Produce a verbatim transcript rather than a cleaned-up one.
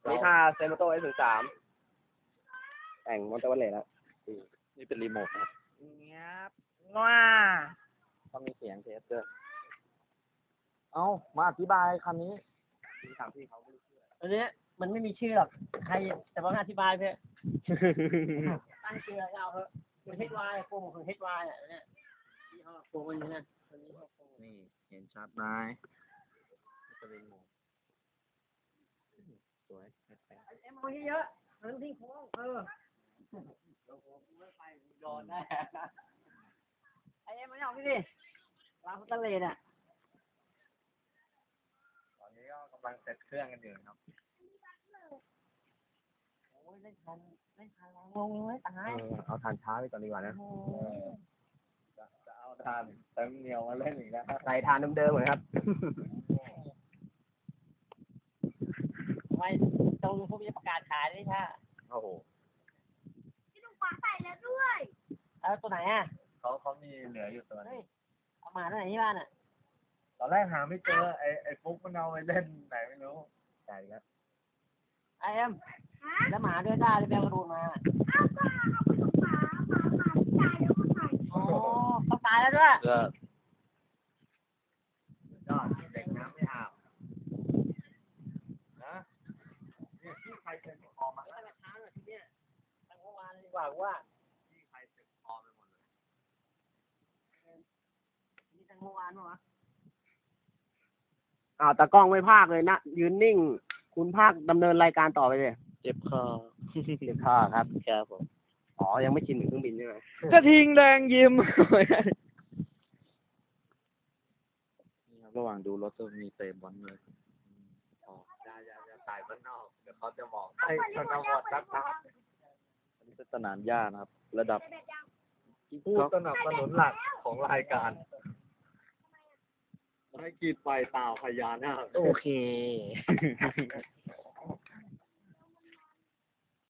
นี่ค่าเซมโต้เอสสามแต่งมอนเตอร์เลสแล้วนี่เป็นรีโมทครับเงี้ยว้าต้องมีเสียงเทสด้วยเอามาอธิบายคำนี้มีถามพี่เขาไม่รู้ชื่ออันนี้มันไม่มีชื่อหรอกใครแต่ว่าอธิบายเพื่อตั้งชื่อเอาเถอะคือเฮดวายโปรโมทของเฮดวายอ่ะเนี่ยที่เขาโปรมันนี่นะตัวนี้เขาโปรนี่เห็นชัดไหมจะเป็นโหมดสวยแปลกเอ็มเอาเยอะๆมันทิ้งโค้งเออโดนแน่ไอเอ็มมันเอาพี่ดิลาฟุตเลนอ่ะตอนนี้ก็กำลังเซตเครื่องกันอยู่ครับโอ้ยเล่นทันเล่นทันลงไม่ตายเออเอาทานช้าไปก่อนดีกว่านะจะจะเอาทานเต็มเหนียวมาเล่นอีกแล้วใส่ทานเดิมๆเหมือนครับไม่ต้องพวกนี้ประกาศขายด้วยค่ะโอ้โหพี่ลุงปลาใส่แล้วด้วยแล้วตัวไหนอ่ะเขาเขามีเหลืออยู่ตัวนึเฮ้ยงเอามาตัวไหนที่บ้านอ่ะตอนแรกหาไม่เจอไอ้ไอ้ฟุกมันเอาไปเล่นไหนไม่รู้ใช่ครับไอเอ็มแล้วหมาด้วยได้เลยแมวกระโดดมาอ้าวก็เอาไปของหมาหมาหมาที่ตายแล้วก็ใส่โอ้ต้องตายแล้วด้วยก็ยอดเด็กน้ำไม่อาบนะนี่ที่ใครเป็นออกมาไม่ต้องช้าหน่อยทีเนี้ยตั้งเมื่อวานดีกว่าว่าที่ใครเป็นออกไปหมดเลยนี่ตั้งเมื่อวานวะอ้าวตากล้องไม่พากเลยนะยืนนิ่ง คุณพากดำเนินรายการต่อไปเลยเจ็บคอ เจ็บคอครับครับผมอ๋อยังไม่ชินถึงเครื่องบินใช่ไหมกระทิงแดงยิ้ม นี่ครับระหว่างดูรถจะมีเตะบอลเลยอ๋ออย่าอย่าอย่าถ่ายบ้านนอกเดี๋ยวเขาจะบอกให้ชนบทรักษาอันนี้เป็นสนามหญ้านะครับ ระดับผู้สนับสนุนหลักของรายการให้กีดไฟตาวพญานาคโอเค